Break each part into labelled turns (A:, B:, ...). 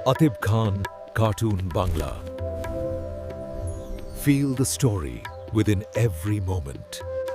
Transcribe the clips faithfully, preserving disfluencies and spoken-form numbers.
A: Atib Khan, Cartoon Bangla. Feel the story within every moment.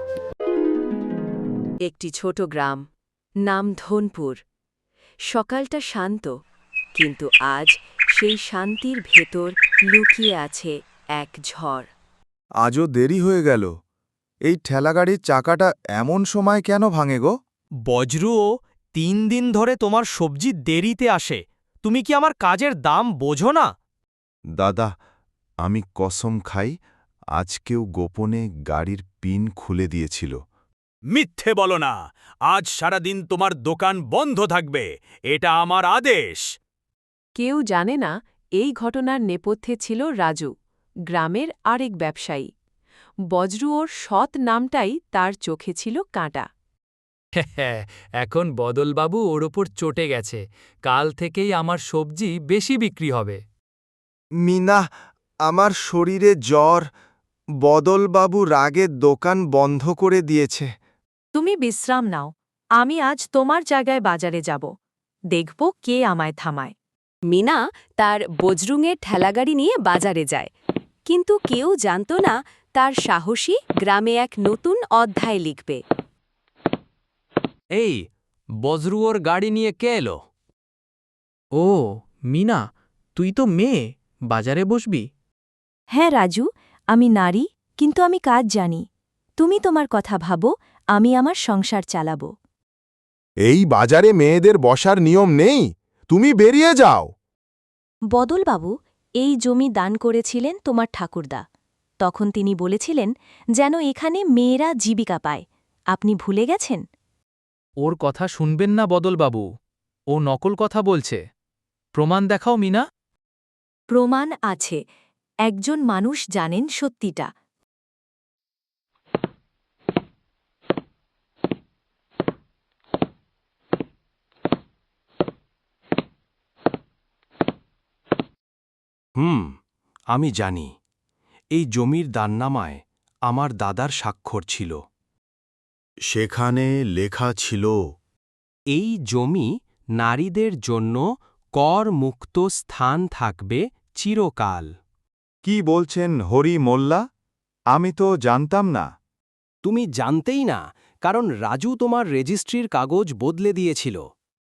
B: একটি ছোট গ্রাম, নাম ধনপুর। সকালটা শান্ত, কিন্তু আজ সেই শান্তির ভেতর লুকিয়ে আছে এক ঝড়।
C: আজও দেরি হয়ে গেল। এই ঠেলাগাড়ির চাকাটা এমন সময় কেন ভাঙে গো?
D: বজ্রুও তিন দিন ধরে তোমার সবজি দেরিতে আসে। তুমি কি আমার কাজের দাম বোঝো না?
C: দাদা, আমি কসম খাই, আজকেও গোপনে গাড়ির পিন খুলে দিয়েছিল।
D: মিথ্যে বলো না। আজ সারাদিন তোমার দোকান বন্ধ থাকবে। এটা আমার আদেশ।
B: কেউ জানে না এই ঘটনার নেপথ্যে ছিল রাজু, গ্রামের আরেক ব্যবসায়ী। বজ্রুওর সৎ নামটাই তার চোখে ছিল কাঁটা।
E: হ্যাঁ, এখন বদলবাবু ওর ওপর চটে গেছে। কাল থেকেই আমার সবজি বেশি বিক্রি হবে।
C: মিনা, আমার শরীরে জ্বর। বদলবাবু রাগে দোকান বন্ধ করে দিয়েছে।
B: তুমি বিশ্রাম নাও, আমি আজ তোমার জায়গায় বাজারে যাব। দেখব কে আমায় থামায়। মিনা তার বজরুঙের ঠেলাগাড়ি নিয়ে বাজারে যায়, কিন্তু কেউ জানত না তার সাহসী গ্রামে এক নতুন অধ্যায় লিখবে।
E: এই, বজরুয়োর গাড়ি নিয়ে কে এলো?
F: ও মিনা, তুই তো মেয়ে, বাজারে বসবি?
B: হ্যাঁ রাজু, আমি নারী, কিন্তু আমি কাজ জানি। তুমি তোমার কথা ভাবো, আমি আমার সংসার চালাব।
C: এই বাজারে মেয়েদের বসার নিয়ম নেই, তুমি বেরিয়ে যাও।
B: বদলবাবু এই জমি দান করেছিলেন তোমার ঠাকুরদা। তখন তিনি বলেছিলেন যেন এখানে মেয়েরা জীবিকা পায়। আপনি ভুলে গেছেন?
E: ওর কথা শুনবেন না বদলবাবু, ও নকল কথা বলছে। প্রমাণ দেখাও মিনা।
B: প্রমাণ আছে, একজন মানুষ জানেন সত্যিটা।
G: হুম, আমি জানি। এই জমির দাননামায় আমার দাদার স্বাক্ষর ছিল।
C: সেখানে লেখা ছিল,
G: এই জমি নারীদের জন্য কর মুক্ত স্থান থাকবে চিরকাল।
C: কি বলছেন হরি মোল্লা? আমি তো জানতাম না।
G: তুমি জানতেই না, কারণ রাজু তোমার রেজিস্ট্রির কাগজ বদলে দিয়েছিল।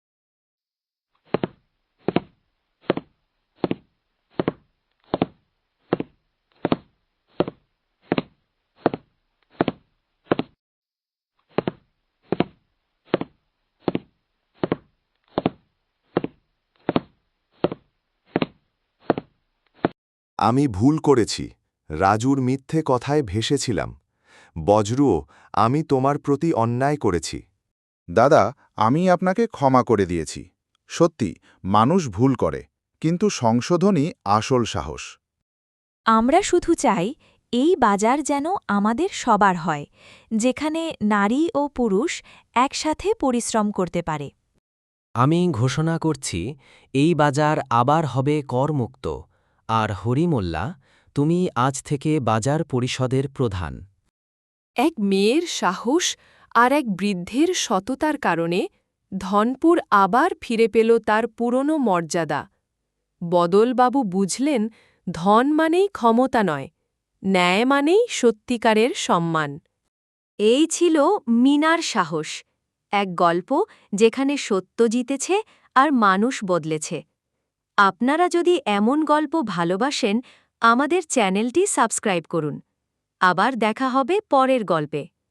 C: আমি ভুল করেছি, রাজুর মিথ্যে কথায় ভেসেছিলাম। বজ্রুও, আমি তোমার প্রতি অন্যায় করেছি। দাদা, আমি আপনাকে ক্ষমা করে দিয়েছি। সত্যি, মানুষ ভুল করে, কিন্তু সংশোধনই আসল সাহস।
B: আমরা শুধু চাই এই বাজার যেন আমাদের সবার হয়, যেখানে নারী ও পুরুষ একসাথে পরিশ্রম করতে পারে।
G: আমি ঘোষণা করছি, এই বাজার আবার হবে করমুক্ত। আর হরিমোল্লা, তুমি আজ থেকে বাজার পরিষদের প্রধান।
B: এক মেয়ের সাহস আর এক বৃদ্ধের সততার কারণে ধনপুর আবার ফিরে পেল তার পুরনো মর্যাদা। বদলবাবু বুঝলেন, ধন মানেই ক্ষমতা নয়, ন্যায় মানেই সত্যিকারের সম্মান। এই ছিল মিনার সাহস, এক গল্প যেখানে সত্য জিতেছে আর মানুষ বদলেছে। আপনারা যদি এমন গল্প ভালোবাসেন, আমাদের চ্যানেলটি সাবস্ক্রাইব করুন। আবার দেখা হবে পরের গল্পে।